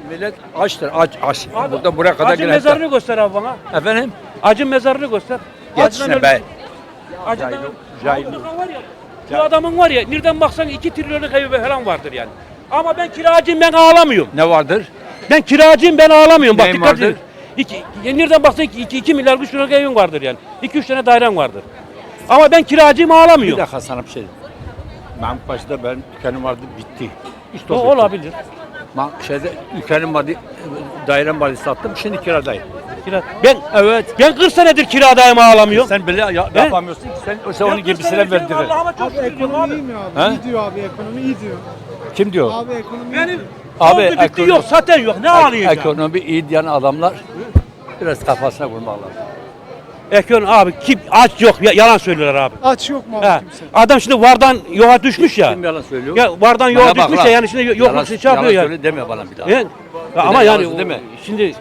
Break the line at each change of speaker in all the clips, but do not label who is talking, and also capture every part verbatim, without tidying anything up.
Millet açtır, aç, aç.
Abi,
Burada buraya kadar
Acın
gelen.
mezarını göster abi bana.
Efendim?
Acın mezarını göster.
Geçsene be.
Acından
Cahil-
öldü.
cahil.
Allah'ın var ya. Bu adamın var ya, nereden baksan iki trilyonluk evi falan vardır yani. Ama ben kiracıyım, ben ağlamıyorum.
Ne vardır?
Ben kiracıyım, ben ağlamıyorum. Bak
Neyin
dikkat
vardır?
edin. İki, nereden baksan iki, iki, iki milyar üç liralık evin vardır yani. İki üç tane dairen vardır. Ama ben kiracıyım,
Bir
ağlamıyorum.
dakika sana bir şey diyeyim. Mahmut Paşa'da ben dükkanım vardı, bitti. İşte
O
bitti.
olabilir.
Ma şeyde dükkanım vardı, dairem vardı, sattım. Şimdi kiradayım.
Kira. Ben
Evet.
ben kırk senedir kiradayım, ağlamıyorum.
Sen bile ya,
Ben-
yapamıyorsun ki. Sen, sen
Ben
onun
kırk
gibisine
senedir
verdirir.
Allah'ıma çok
Abi
şükür diyorum
ekonomi
abi.
iyi mi abi?
He?
İyi diyor abi, ekonomi iyi diyor.
Kim diyor?
Abi ekonomi iyi
Benim
diyor.
Abi,
oldu bitti
ekonomi-
yok, zaten yok. Ne ağlayacağım?
Ekonomi iyi diyen adamlar biraz kafasına vurmak lazım.
Ekonomi abi kim aç yok ya, yalan söylüyorlar abi.
Aç yok mu abi
He.
kimse?
Adam şimdi vardan yoğa düşmüş ya.
Kim yalan söylüyor?
Ya vardan
Bana
yoğa
bak
düşmüş
lan.
ya, yani şimdi
Yalan-
yokluk şey yapıyor
yalan
yani.
söyle deme bana bir daha.
Yani, ya ama
de
yani
yalansın, değil mi?
şimdi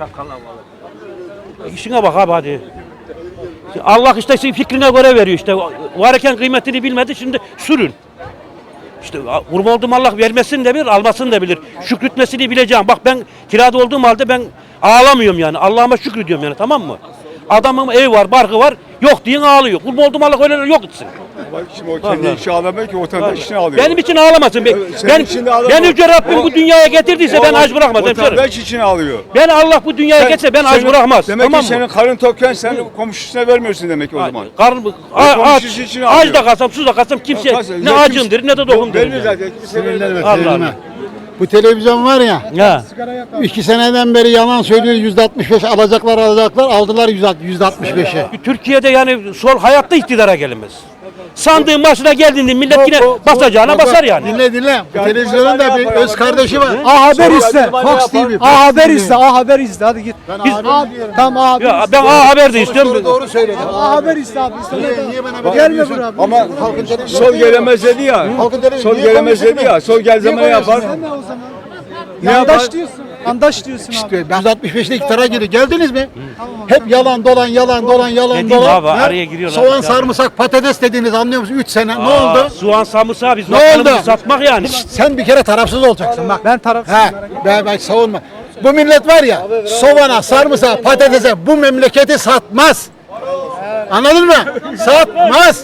işine bak abi hadi. Allah işte senin fikrine göre veriyor işte. Varken kıymetini bilmedi, şimdi sürün. İşte kurban olduğum Allah vermesini de bilir, almasını da bilir. Şükretmesini bileceğim. Bak ben kirada olduğum halde ben ağlamıyorum yani. Allah'ıma şükrediyorum yani, tamam mı? Adamın ev var, barkı var. Yok diyen ağlıyor. Kurban olduğum Allah öyle yok etsin.
Bak şimdi o kendi
Vallahi.
işi ağlamıyor ki vatandaş işini ağlıyor.
Benim için ağlamasın. Ben,
Evet, senin
ben,
için de ağlama.
ben Yüce Rabbim
O-
bu dünyaya getirdiyse ben
O
aç bırakmaz. hemşerim.
Vatandaş için ağlıyor.
Ben Allah bu dünyaya
Sen-
getirse ben aç
senin-
bırakmaz.
Demek
tamam
ki senin
mı?
karın tokken sen komşusuna vermiyorsun demek ki o zaman.
Karın, a- aç,
komşusu için
aç
ağlıyor.
da kalsam, sus da kalsam kimse
Kalsın.
ne
Ya
acımdır ne de dokumdur.
Belli
yani.
zaten. Kimse vermez.
Sinirlenme,
Allah
sinirlenme.
Allah.
Bu televizyon var ya,
Ya.
iki seneden beri yalan söylüyor, yüzde altmış beş alacaklar alacaklar, aldılar yüzde altmış beşe.
Türkiye'de yani sol hayatta iktidara gelinmez. Sandığın başına geldiğinde millet yine basacağına basar yani.
Dinle dinle, bu televizyonun da bir öz kardeşi var.
A Haber
Sonra
izle.
acaba ne
Fox
yapar?
T V.
A Haber izle, A Haber izle. Hadi git.
Ben
Biz
abi diyorum.
Tamam A Haber
Ya
izle.
ben A Haber de istiyorum.
Doğru, doğru söyledi.
A Haber izle abi. İzle.
Niye- niye bana böyle
Gelme
yapıyorsun?
buraya.
Ama
Halkın televizyonu
sol
değil.
gelemez dedi ya.
Halkın televizyonu
Sol
niye
gelemez dedi
konuşuyorsun?
ya. Sol gel zaman
Niye
yapar.
konuşuyorsun?
Sen de o zaman. Yandaş diyorsun. Yandaş diyorsun abi.
İşte yüzde altmış beşte iktidara girdi. Geldiniz mi? Hep yalan dolan yalan dolan yalan
Dediğim
dolan.
abi,
Ha?
araya giriyorlar.
Soğan
Ya.
sarımsak patates dediğiniz anlıyor musun? üç sene ne
Aa,
oldu?
Soğan samırsağı biz
Ne
vatanımızı
oldu?
satmak yani.
Sen bir kere tarafsız olacaksın bak.
Ben tarafsızım.
He, ben, ben savunma. Bu millet var ya, soğana, sarımsağa, patatese bu memleketi satmaz. Anladın mı? Satmaz.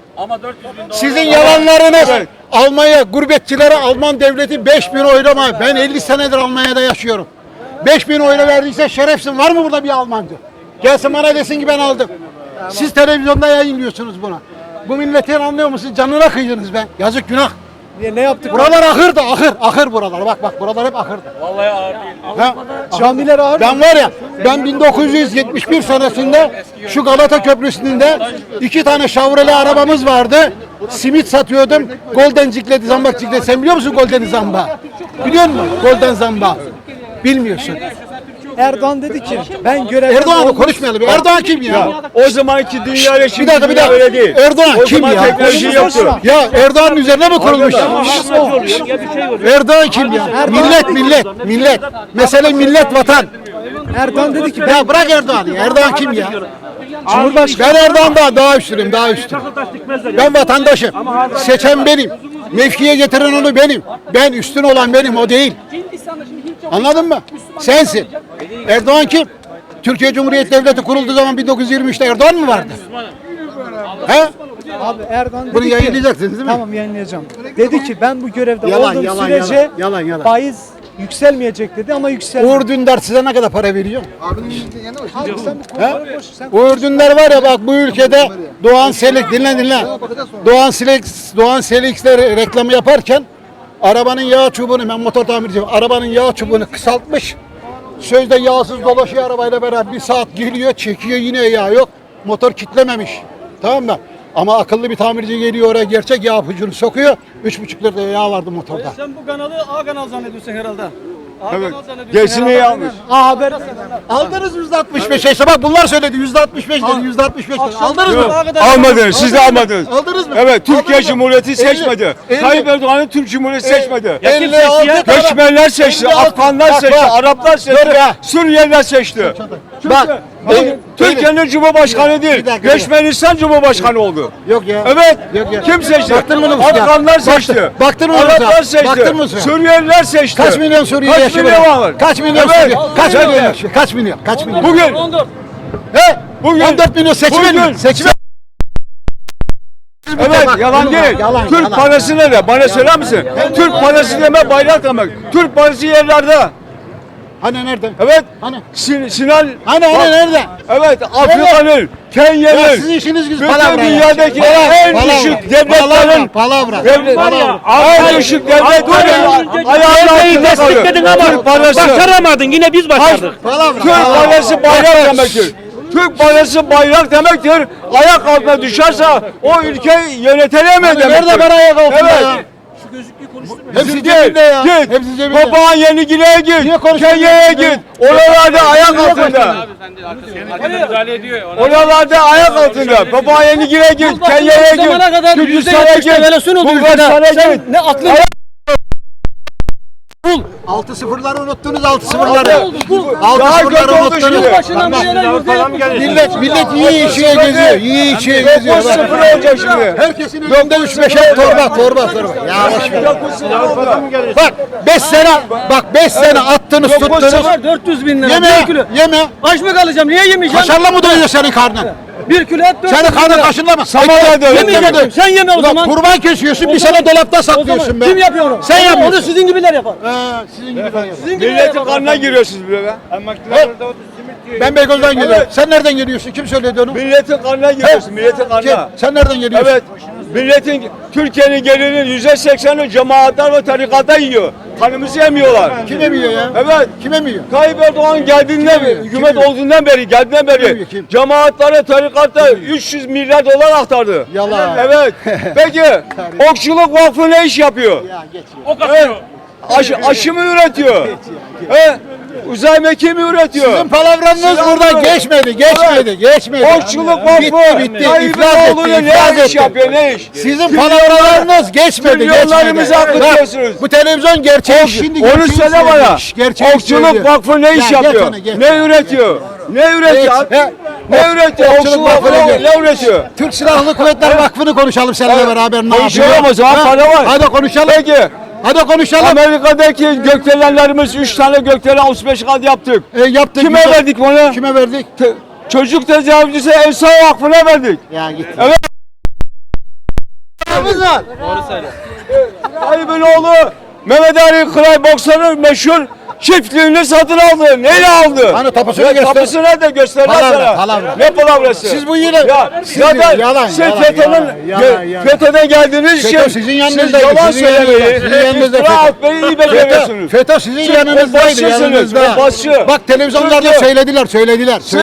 Sizin yalanlarınız Almanya, gurbetçilere Alman devleti beş bin oylama. Ben elli senedir Almanya'da yaşıyorum. beş bin oyla verdiyse şerefsin. Var mı burada bir Almancı? Gelsin bana desin ki ben aldım. Siz televizyonda yayınlıyorsunuz buna. Bu milletin anlıyor musunuz? Canına kıydınız be. Yazık günah.
Niye, ne yaptık?
Buralar ahırdı, ahır, ahır buralar. Bak bak buralar hep ahırdı. Vallahi ağır değil.
Camiler ağır.
Ben var ya, ben bin dokuz yüz yetmiş bir senesinde şu Galata Köprüsü'nde iki tane Chevrolet arabamız vardı. Simit satıyordum. Golden Ciklet, Zambak Ciklet. Sen biliyor musun Golden Zamba? Biliyor musun Golden Zamba? Bilmiyorsun.
Erdoğan dedi ki ben görevden
Erdoğan'ı
olmuş-
konuşmayalım. Erdoğan kim ya?
O zamanki dünya ile
Bir
şimdi
dakika bir
dünya öyle
dakika.
değil.
Erdoğan
O
kim
zaman
ya?
teknoloji yoktu.
Ya Erdoğan'ın üzerine mi kurulmuş?
Ama hastacı oluyor, ya bir şey oluyor.
Erdoğan kim ya? Millet millet millet. Mesele millet vatan.
Erdoğan dedi ki ben
Ya bırak Erdoğan'ı. Erdoğan kim ya?
Cumhurbaşkanı
Ben Erdoğan'dan daha üstünüm, daha üstün. Ben vatandaşım. Seçen benim. Mevkiye getiren onu benim. Ben üstün olan benim, o değil. Anladın mı? Sensin. Erdoğan kim? Türkiye Cumhuriyeti Devleti kurulduğu zaman bin dokuz yüz yirmi üçte Erdoğan mı vardı? He?
abi Erdoğan dedi
Bunu
ki
yayınlayacaksınız değil mi?
tamam yayınlayacağım. Dedi ki ben bu görevde
Yalan,
olduğum
yalan,
sürece
yalan, yalan, yalan.
faiz yükselmeyecek dedi ama yükseldi.
Uğur Dündar size ne kadar para veriyor?
Abi sen bu
He?
konuları boş. Sen
Uğur Dündar var ya bak bu ülkede Doğan Selik dinle dinle. Doğan Selik Doğan Selik'ler reklamı yaparken arabanın yağ çubuğunu ben motor tamirciyim. Arabanın yağ çubuğunu kısaltmış. Sözde yağsız dolaşıyor arabayla beraber bir saat geliyor çekiyor yine yağ yok. Motor kitlememiş. Tamam mı? Ama akıllı bir tamirci geliyor oraya gerçek yağ pucunu sokuyor. Üç buçuk lira yağ vardı motorda.
Sen bu kanalı A kanal zannediyorsun herhalde. A
Evet.
kanal zannediyorsun
Gerisini
herhalde.
almış.
A Haber
Aldınız yüzde altmış beş. İşte bak bunlar söyledi yüzde altmış beş dedi. Yüzde altmış beş dedi. Aldınız mı?
A kadar-
Almadınız. Siz de almadınız.
Aldınız mı?
Evet. Türkiye
Aldınız mı?
Cumhuriyeti
elli,
seçmedi.
elli.
Tayyip Erdoğan'ın Türk Cumhuriyeti seçmedi.
Ya kim
elli
seçti
altı
ya?
tane-
Göçmenler seçti,
elli altı
Afganlar
Bak,
seçti,
bak.
Araplar seçti,
Dur ya.
Suriyeliler seçti.
Bak.
Türkiye- Türkiye'nin Cumhurbaşkanı değil.
Bir dakika, bir
Göçmenistan Cumhurbaşkanı oldu.
Yok ya.
Evet.
Yok ya.
Kim seçti?
Baktın mı nüfusa?
Afganlar
Baktın-
seçti.
baktın mı
Araplar
nüfusa?
seçti.
Baktın mı sen?
Suriyeliler seçti.
Kaç milyon Suriyeli
Kaç
yaşıyor?
milyon
burada?
var?
Kaç milyon
Evet.
Suriyeli? Kaç
Evet.
milyon yaşıyor? Kaç milyon? Kaç milyon?
Bugün
He?
Bugün-
on dört milyon seçmen
Bugün-
mi? Seçmen.
evet
Bak,
yalan
yalan,
değil.
yalan,
Türk
yalan.
parası ne? Bana söyler misin? Türk parası deme bayrak demek. Türk parası yerlerde.
Hani nerede?
Evet.
Hani?
Sin Sinan.
Hani hani
Bak,
nerede?
Evet Afrika'nın,
Ya
Kenya'nın.
sizin işiniz güzel
bütün
palavra ya.
dünyadaki
Palavra,
en
palavra,
düşük
palavra,
devletlerin
palavra.
devlet,
Var ya,
en düşük devletlerin ayağının
Devleyi
altında kalıyor.
destekledin ama
Türk parası.
başaramadın. Yine biz başardık.
Palavra.
Türk parası bayrak demektir. Türk parası bayrak demektir. Ayak altına düşerse o ülkeyi yönetemez
Hani
demektir.
nerede para ayak altında
Evet.
ya? Hepsi
Git,
cebinde ya.
Git.
Hepsi cebinde.
Papağan Yenigine'ye git.
Niye konuşuyorsun
Kenya'ya
ya?
git. Oralarda ayak altında. Oralarda ayak altında. Papağan Yenigine'ye git. Kenya'ya
Bu zamana
git.
kadar yüzde
Gürcistan'a
yetmiş devalüasyon oldu
Bulgaristan'a
ülkede. Sen
git.
ne aklın
Altı sıfırları unuttunuz altı sıfırları. Altı
Daha kötü
sıfırları
oldu
unuttunuz.
şimdi.
başından bu yana yüzde yetmiş.
Millet millet iyi içiye geziyor. İyi içiye geziyor.
dokuz sıfır
Bak.
olacak şimdi.
Herkesin önünde üç beşer torba torba torba. Ya boş ver.
dokuz sıfır oldu.
Bak beş sene bak beş sene attınız
Dokuz
tuttunuz.
sıfır.
dört yüz bin lira.
Yeme
Bir kilo.
yeme.
Aç mı kalacağım? Niye yemeyeceğim?
Kaşarla mı doyuyor senin karnın?
Bir kilo et dört yüz
Senin
bin
karnın
lira.
kaşınla mı?
Samanya'da
Ekmek-
Yemeyeceksin.
ekmek-
Sen yeme o
Ulan
zaman.
kurban kesiyorsun bir sene dolapta
O zaman
saklıyorsun be.
kim yapıyor onu?
Sen yapıyorsun.
Onu sizin gibiler yapar.
Ha, sizin gibi ben yapıyorum.
Sizin gibiler
Milletin
yapar.
kanına giriyorsunuz bile be.
Ben Beykoz'dan geliyorum.
Evet.
Sen nereden geliyorsun? Kim söyledi onu?
Milletin kanına giriyorsun. Milletin
Kim?
kanına.
Sen nereden geliyorsun?
Evet. Milletin, Türkiye'nin gelirinin yüzde sekseni cemaatler ve tarikata yiyor. Kanımızı yemiyorlar.
Kim emiyor ya?
Evet.
Kim emiyor?
Tayyip Erdoğan geldiğinden
Kim
beri,
yiyor?
hükümet
Kim yiyor?
olduğundan beri, geldiğinden
Kim
beri
yiyor? Kim?
cemaatlere, tarikata üç yüz milyar dolar aktardı.
Yalan.
Evet. Peki Okçuluk Vakfı ne iş yapıyor?
Ya geç ya.
O kadar.
Evet. Aşı, aşı mı üretiyor? He? Uzay mekiği mi üretiyor?
Sizin palavranız burada geçmedi, geçmedi, geçmedi.
Okçuluk Vakfı
Bitti, bitti.
Tayyip
İflas etti,
Erdoğan'ı
iflas
ne iş
etti.
yapıyor, ne iş?
Sizin palavralarınız geçmedi,
Milyonlarımızı
geçmedi.
akıtıyorsunuz.
Bak, bu televizyon gerçek. Şimdi
Onu
gerçeği
söyle bana.
söylüyor. Şş, gerçeği
Okçuluk
söylüyor.
Vakfı ne iş
Ya geç
yapıyor?
onu, geç.
Ne üretiyor? Ne üretiyor?
Geç. He.
Ne üretiyor?
Okçuluk
Okçuluk
Vakfı
Vakfı
ne?
ne üretiyor?
Türk Silahlı Kuvvetler Vakfı'nı konuşalım seninle
Evet.
beraber. Ne
Konuşalım
yapıyor?
o zaman,
Ha,
para var.
Hadi konuşalım.
Peki.
Hadi konuşalım.
Amerika'daki gökdelenlerimiz üç tane gökdelen otuz beş kat yaptık.
E, yaptık.
Kime
güzel.
verdik bunu?
Kime verdik?
Te- Çocuk tecavüzcüsü Evsa Vakfı'na verdik.
Ya git.
Evet.
var.
Tayyip'in oğlu Mehmet Ali Kıray boksörün meşhur çiftliğini satın aldı. Neyle aldı?
Hani tapusunu
Ya
göster.
Tapusu nerede göstermez
Palavra,
sana.
palavra.
Ne palavrası?
Siz bu yine-
Ya
siz
zaten
yalan,
siz
yalan,
FETÖ'nün
yalan, yalan,
gö-
yalan.
FETÖ'den geldiğiniz
FETÖ
için
sizin
siz
yanınızdaydı,
yalan
sizin yanınızda,
söylemeyi,
sizin yanınızda
iftira
FETÖ.
atmayı iyi
FETÖ,
beceriyorsunuz.
FETÖ sizin
Siz
yanınızdaydı,
başçısınız,
yanınızda.
başçı.
Bak televizyonlarda
Türkiye-
söylediler, söylediler.